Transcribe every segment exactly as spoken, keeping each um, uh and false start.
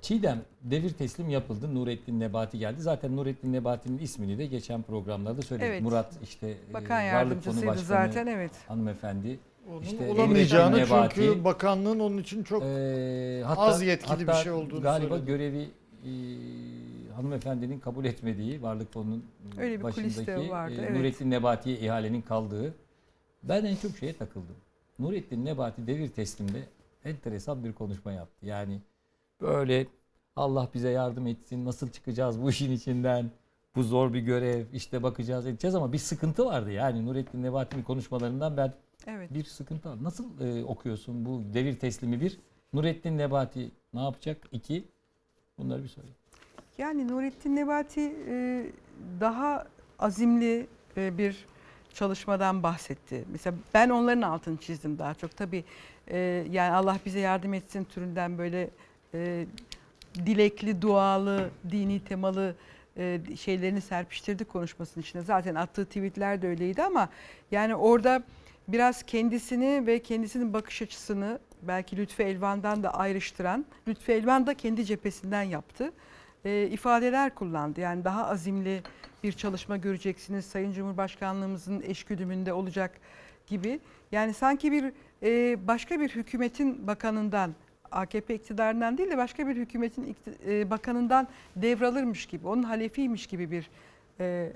Çiğdem, devir teslim yapıldı. Nurettin Nebati geldi. Zaten Nurettin Nebati'nin ismini de geçen programlarda söyledik. Evet. Murat işte Bakan e, Varlık Fonu yardımcısıydı Başkanı zaten, evet. hanımefendi. Onun İşte olamayacağını Nurettin Nebati, çünkü bakanlığın onun için çok e, hatta, az yetkili bir hatta şey olduğunu galiba söyledi. görevi e, hanımefendinin kabul etmediği Varlık Fonu'nun Öyle bir kulis de başındaki vardı, e, evet. Nurettin Nebati'ye ihalenin kaldığı. Ben en çok şeye takıldım. Nurettin Nebati devir teslimde enteresan bir konuşma yaptı. Yani böyle Allah bize yardım etsin, nasıl çıkacağız bu işin içinden, bu zor bir görev, işte bakacağız edeceğiz ama bir sıkıntı vardı. Yani Nurettin Nebati'nin konuşmalarından ben Evet. bir sıkıntı var. Nasıl e, okuyorsun bu devir teslimi bir? Nurettin Nebati ne yapacak? İki, bunları bir söyle. Yani Nurettin Nebati e, daha azimli e, bir çalışmadan bahsetti. Mesela ben onların altını çizdim daha çok. Tabii e, yani Allah bize yardım etsin türünden böyle e, dilekli, dualı, dini temalı e, şeylerini serpiştirdi konuşmasının içine. Zaten attığı tweetler de öyleydi ama yani orada biraz kendisini ve kendisinin bakış açısını belki Lütfü Elvan'dan da ayrıştıran, Lütfü Elvan da kendi cephesinden yaptı. E, ifadeler kullandı. Yani daha azimli bir çalışma göreceksiniz. Sayın Cumhurbaşkanlığımızın eşgüdümünde olacak gibi. Yani sanki bir e, başka bir hükümetin bakanından, A K P iktidarından değil de başka bir hükümetin e, bakanından devralırmış gibi, onun halefiymiş gibi bir e,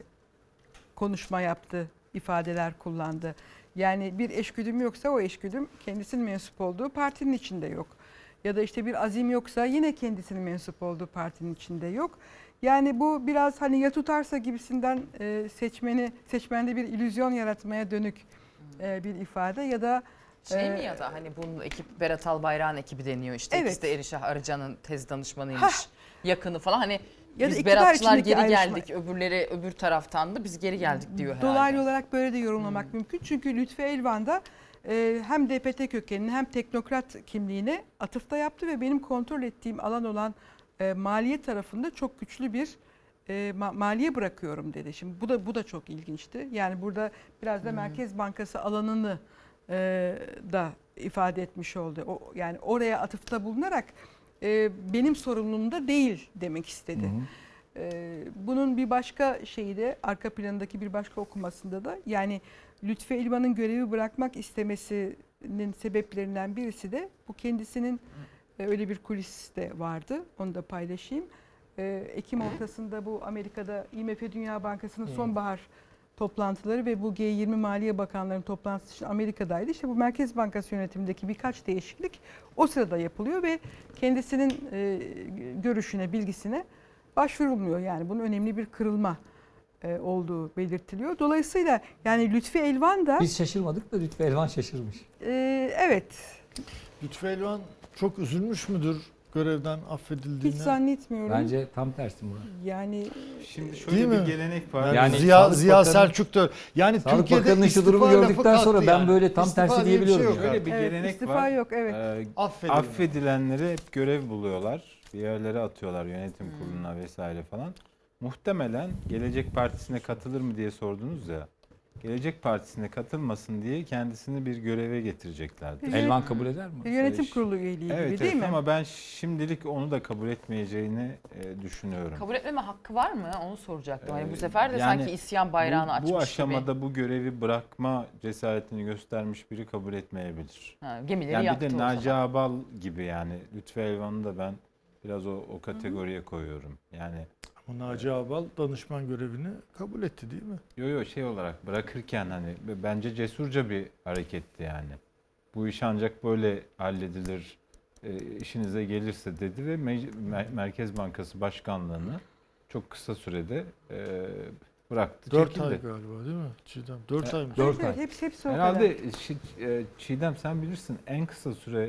konuşma yaptı, ifadeler kullandı. Yani bir eşgüdüm yoksa o eşgüdüm kendisinin mensup olduğu partinin içinde yok. Ya da işte bir azim yoksa yine kendisinin mensup olduğu partinin içinde yok. Yani bu biraz hani ya tutarsa gibisinden e, seçmeni seçmende bir illüzyon yaratmaya dönük e, bir ifade ya da Şey e, mi ya da hani bunun ekip Berat Albayrak'ın ekibi deniyor işte. Evet. İkisi de Erişah Arıcan'ın tez danışmanıymış. Hah. Yakını falan hani Ya da biz iktidar Beratçılar içindeki geri ayrışma. geldik, öbürleri öbür taraftandı, biz geri geldik diyor herhalde. Dolaylı olarak böyle de yorumlamak mümkün. Çünkü Lütfü Elvan da e, hem D P T kökenini hem teknokrat kimliğine atıfta yaptı ve benim kontrol ettiğim alan olan e, maliye tarafında çok güçlü bir e, ma- maliye bırakıyorum dedi. Şimdi bu da bu da çok ilginçti. Yani burada biraz da Merkez Bankası alanını e, da ifade etmiş oldu. O, yani oraya atıfta bulunarak e, benim sorumluluğumda değil demek istedi. Hı hı. Ee, bunun bir başka şeyi de arka planındaki bir başka okumasında da yani Lütfü Elvan'ın görevi bırakmak istemesinin sebeplerinden birisi de bu kendisinin e, öyle bir kulis de vardı. Onu da paylaşayım. Ee, Ekim ortasında bu Amerika'da I M F Dünya Bankası'nın sonbahar toplantıları ve bu G yirmi Maliye Bakanlarının toplantısı için Amerika'daydı. İşte bu Merkez Bankası yönetimindeki birkaç değişiklik o sırada yapılıyor ve kendisinin e, görüşüne, bilgisine başvurulmuyor. Yani bunun önemli bir kırılma e, olduğu belirtiliyor. Dolayısıyla yani Lütfü Elvan da Biz şaşırmadık da Lütfü Elvan şaşırmış. e, evet Lütfü Elvan çok üzülmüş müdür görevden affedildiğine? hiç zannetmiyorum. Bence tam tersi Murat. Yani Şimdi şöyle Değil bir mi? gelenek var. Yani, Yani Ziya, Sağlık Ziya Bakanı- Selçuk da yani Sağlık Türkiye'de Bakanı'nın şu durumu istifa lafı gördükten sonra kalktı ben yani. böyle tam İstifa tersi diye bir şey diyebiliyorum yok yani. Şöyle bir evet, gelenek istifa var. yok, evet. Ee, Affedilme. affedilenleri hep görev buluyorlar. Bir yerlere atıyorlar yönetim kuruluna vesaire falan. Muhtemelen Gelecek Partisi'ne katılır mı diye sordunuz ya. Gelecek Partisi'ne katılmasın diye kendisini bir göreve getireceklerdi. Evet. Elvan kabul eder mi? bir yönetim Eş- kurulu üyeliği Evet, gibi değil evet mi? ama ben şimdilik onu da kabul etmeyeceğini e, düşünüyorum. Kabul etmeme hakkı var mı? Onu soracaktım. Hani bu Ee, sefer de yani sanki isyan bayrağını bu, açmış bu aşamada gibi. bu görevi bırakma cesaretini göstermiş biri kabul etmeyebilir. Ha, gemileri Yani yaktı bir de o Naci zaman. Ağbal gibi yani Lütfü Elvan'ı da ben biraz o, o kategoriye koyuyorum. Yani Ama Naci Ağbal danışman görevini kabul etti değil mi? yo yo şey olarak bırakırken hani b- bence cesurca bir hareketti yani. Bu iş ancak böyle halledilir, e, işinize gelirse dedi ve Me- Mer- Merkez Bankası Başkanlığı'nı çok kısa sürede e, bıraktı, Dört çekildi. ay galiba değil mi Çiğdem? Dört ay mı? dört Evet, evet, ay. hepsi, hepsi o kadar. Herhalde Şi- e, Çiğdem sen bilirsin en kısa süre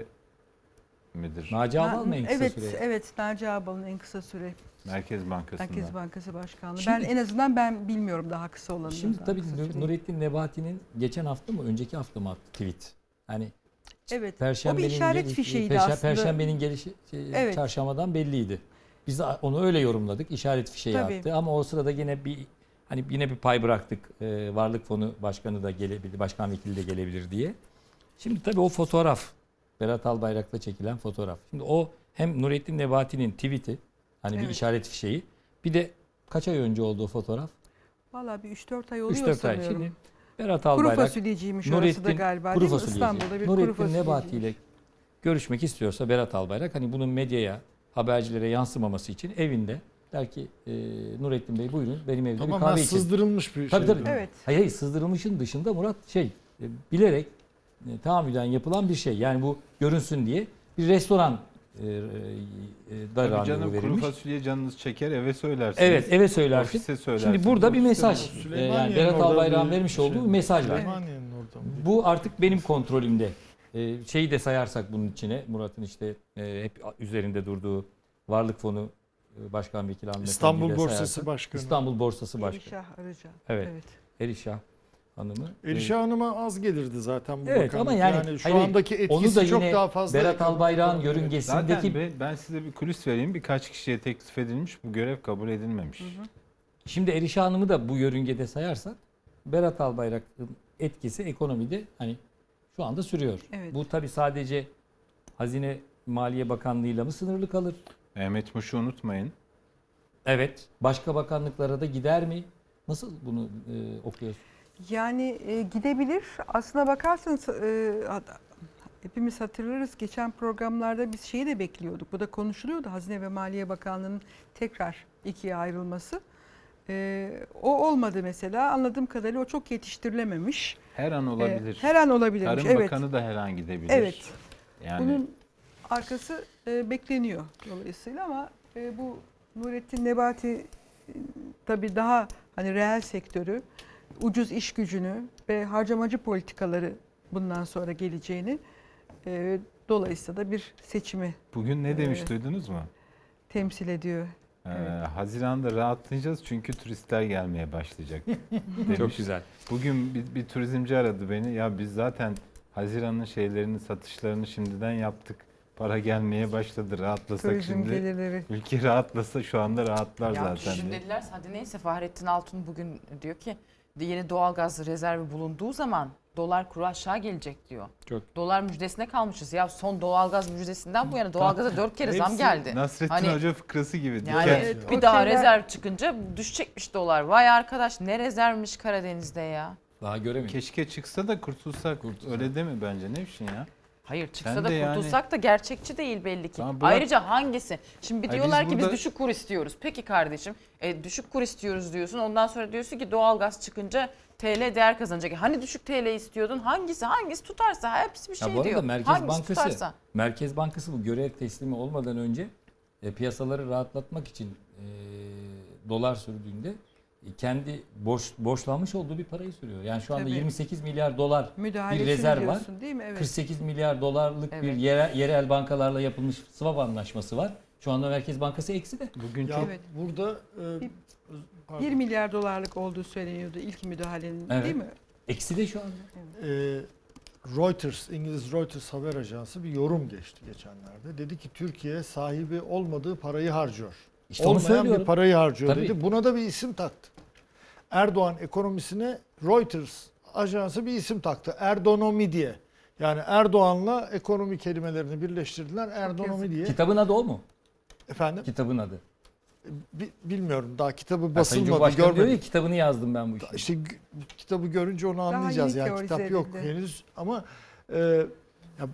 midir? Naci Ağbal mı en kısa evet, süre? evet Naci Ağbal'ın en kısa süre Merkez Bankası'nda. Merkez Bankası Başkanlığı. Şimdi- ben en azından ben bilmiyorum daha kısa olanını. Şimdi daha tabii kısa Nur- süreyi. Nurettin Nebati'nin geçen hafta mı önceki hafta mı attı tweet? Hani Evet. O Perşembenin bir işaret geliş- fişeğiydi Perşe- aslında. Perşembenin gelişi şey, Evet. çarşambadan belliydi. Biz de onu öyle yorumladık. İşaret fişeği Tabii. attı ama o sırada yine bir hani yine bir pay bıraktık. Ee, Varlık Fonu Başkanı da gelebilir, Başkan Vekili de gelebilir diye. Şimdi tabii o fotoğraf Berat Albayrak'la çekilen fotoğraf. Şimdi o hem Nurettin Nebati'nin tweet'i hani bir Evet. işaret fişeği, bir de kaç ay önce olduğu fotoğraf? Valla bir üç dört ay oluyor üç dört ay. sanıyorum. Şimdi Berat Kuru Albayrak fasulyeciymiş orası da Nurettin galiba kuru değil mi? fasulyeci. İstanbul'da bir kuru Nurettin fasulyeciymiş. Nebati ile görüşmek istiyorsa Berat Albayrak hani bunun medyaya, habercilere yansımaması için evinde der ki e, Nurettin Bey buyurun benim evde bir Tamamen kahve için. sızdırılmış bir Tabii şey. tabii. Evet. Hayır hayır sızdırılmışın dışında Murat şey e, bilerek e, tahammüden yapılan bir şey. Yani bu görünsün diye bir restoran e, e, da Tabii randevu canım, kuru verilmiş. fasulye canınız çeker, eve söylersiniz. Evet eve söylersin. Ofise söylersiniz. Şimdi burada bir ofiste mesaj. olur. e, Süleymaniye'nin yani Berat orada Albayrak'ın bir vermiş şey- olduğu bir mesaj var. Süleymaniye'nin orada mı? Bu artık benim kontrolümde. Ee, şeyi de sayarsak bunun içine Murat'ın işte e, hep üzerinde durduğu Varlık Fonu e, Başkan Vekili Ahmet İstanbul Efendi'yi de Borsası sayarsak, Başkanı. İstanbul Borsası Başkanı. Elişah Arıca. Evet. evet. Erişah Hanım'ı. Elişah Hanım'a az gelirdi zaten bu Evet, bakanlık. ama yani- şu hayır, andaki Onu etkisi da çok yine daha fazla. Berat ekonomik Albayrak'ın olarak. Zaten yörüngesindeki be- ben size bir kulis vereyim. Birkaç kişiye teklif edilmiş. Bu görev kabul edilmemiş. şimdi Erişah Hanım'ı da bu yörüngede sayarsak Berat Albayrak'ın etkisi ekonomide hani şu anda sürüyor. Evet. Bu tabii sadece Hazine Maliye Bakanlığı'yla mı sınırlı kalır? Mehmet Muş'u unutmayın. Evet. Başka bakanlıklara da gider mi? Nasıl bunu e, okuyorsun? Yani e, gidebilir. Aslına bakarsanız e, hat- hepimiz hatırlarız. Geçen programlarda biz şeyi de bekliyorduk. Bu da konuşuluyordu. Hazine ve Maliye Bakanlığı'nın tekrar ikiye ayrılması. E, o olmadı mesela. Anladığım kadarıyla o çok yetiştirilememiş. Her an E, olabilir. her an olabilirmiş. Tarım Evet. Bakanı da her an gidebilir. Evet. Yani Bunun arkası e, bekleniyor dolayısıyla ama e, bu Nurettin Nebati e, tabii daha hani reel sektörü, ucuz iş gücünü ve harcamacı politikaları bundan sonra geleceğini e, dolayısıyla da bir seçimi bugün ne demiş Evet. duydunuz mu? temsil ediyor. Ee, Evet. Haziran'da rahatlayacağız çünkü turistler gelmeye başlayacak demiş. Çok güzel. Bugün bir, bir turizmci aradı beni. Ya biz zaten Haziran'ın şeylerini, satışlarını şimdiden yaptık. Para gelmeye başladı. Rahatlasak Turizm şimdi. gelirleri. Ülke rahatlasa şu anda rahatlar Ya zaten. şimdi diye. dediler hadi neyse Fahrettin Altun bugün diyor ki yeni doğalgaz rezervi bulunduğu zaman dolar kuru aşağı gelecek diyor. Çok. Dolar müjdesine kalmışız. Ya son doğalgaz müjdesinden bu yana doğalgaza dört kere zam Hepsi geldi. Nasrettin Hani- Hoca fıkrası gibi. Yani Diken- Evet, bir o daha şeyler- rezerv çıkınca düşecekmiş dolar. Vay arkadaş ne rezervmiş Karadeniz'de ya. Daha göremedim. Keşke çıksa da kurtulsak. Kurtulsak. Öyle değil mi bence? Ne biçim ya? Hayır çıksa Sen da de yani- kurtulsak da gerçekçi değil belli ki. Tamam, bırak- Ayrıca hangisi? Şimdi Hayır, diyorlar biz ki burada- biz düşük kur istiyoruz. Peki kardeşim e, düşük kur istiyoruz diyorsun. Ondan sonra diyorsun ki doğalgaz çıkınca T L değer kazanacak. Hani düşük T L istiyordun? Hangisi? Hangisi tutarsa hepsi bir şey Ya bu arada diyor. Merkez Hangisi Bankası tutarsa. Merkez Bankası bu görev teslimi olmadan önce e, piyasaları rahatlatmak için e, dolar sürdüğünde e, kendi borç borçlanmış olduğu bir parayı sürüyor. Yani şu anda Tabii. yirmi sekiz milyar dolar Müdahalesini bir rezerv var. diyorsun değil mi? Evet. kırk sekiz milyar dolarlık bir Evet. yerel, yerel bankalarla yapılmış swap anlaşması var. Şu anda Merkez Bankası eksi de. Bugün Ya çok Evet. burada e, Bir- pardon. bir milyar dolarlık olduğu söyleniyordu ilk müdahalenin Evet. değil mi? Eksi de şu anda. e, Reuters, İngiliz Reuters haber ajansı bir yorum geçti geçenlerde. Dedi ki Türkiye sahibi olmadığı parayı harcıyor. İşte onu Olmayan söylüyorum. bir parayı harcıyor Tabii. dedi. Buna da bir isim taktı. Erdoğan ekonomisine Reuters ajansı bir isim taktı. Erdonomi diye. Yani Erdoğan'la ekonomi kelimelerini birleştirdiler. Erdonomi diye. Kitabın adı o mu? Efendim Kitabın adı. bi- bilmiyorum daha kitabı Ya Sayın basılmadı Cumhurbaşkanı diyor ya, görmedim. kitabını yazdım ben bu işi. İşte g- kitabı görünce onu anlayacağız. yeni Yani kitap teorize yok edildi. henüz ama e, ya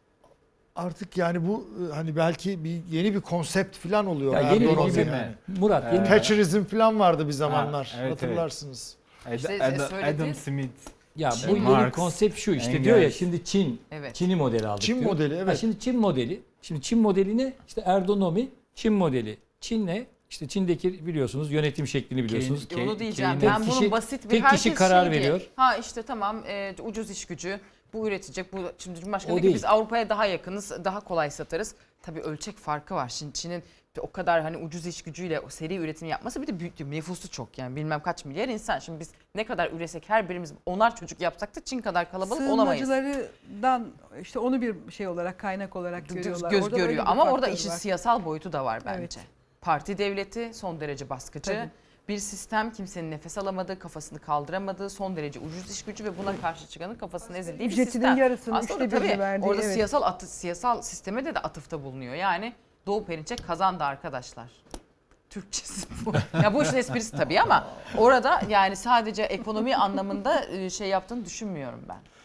artık yani bu e, hani belki bir yeni bir konsept falan oluyor. Ya yeni bir Erdoğan'ın konsept yani. mi? Murat yeni Ee, Thatcherizm falan vardı bir zamanlar. Ha, evet, hatırlarsınız. Ad- İşte Ad- söyledi. Adam Smith. ya Çin, bu yeni Marx, konsept şu işte Engels. diyor ya şimdi Çin Evet. Çin'i modeli aldık Çin diyor. modeli, Ha, evet. şimdi Çin modeli. Şimdi Çin modeli ne? İşte Erdonomi Çin modeli. Çin ne? İşte Çin'deki biliyorsunuz yönetim şeklini biliyorsunuz. Ke- Onu diyeceğim. Keynes- Ben Tek bunun kişi- basit bir tek herkes kişi karar şey diye, veriyor. Ha işte tamam e, ucuz iş gücü. Bu üretecek. Bu şimdi Cumhurbaşkanı O diyor ki değil. biz Avrupa'ya daha yakınız. Daha kolay satarız. Tabii ölçek farkı var. Şimdi Çin'in o kadar hani ucuz iş gücüyle o seri üretim yapması bir de büyük nüfusu çok yani bilmem kaç milyar insan. Şimdi biz ne kadar üresek her birimiz onar çocuk yapsak da Çin kadar kalabalık olamayız. Sığınmacılardan işte onu bir şey olarak kaynak olarak Göz, görüyorlar. göz Orada öyle görüyor bir ama orada faktör işin var. siyasal boyutu da var bence. Evet. Parti devleti son derece baskıcı. Tabii. Bir sistem kimsenin nefes alamadığı, kafasını kaldıramadığı, son derece ucuz iş gücü ve buna karşı çıkanın kafasının ezildiği bir Ücretinin sistem. yarısını, Aslında üçte birini tabii verdiği, orada evet. siyasal atı, siyasal sisteme de de atıfta bulunuyor. Yani Doğu Perinçek kazandı arkadaşlar. Türkçesi bu. Ya bu işin esprisi tabii ama orada yani sadece ekonomi anlamında e, şey yaptığını düşünmüyorum ben.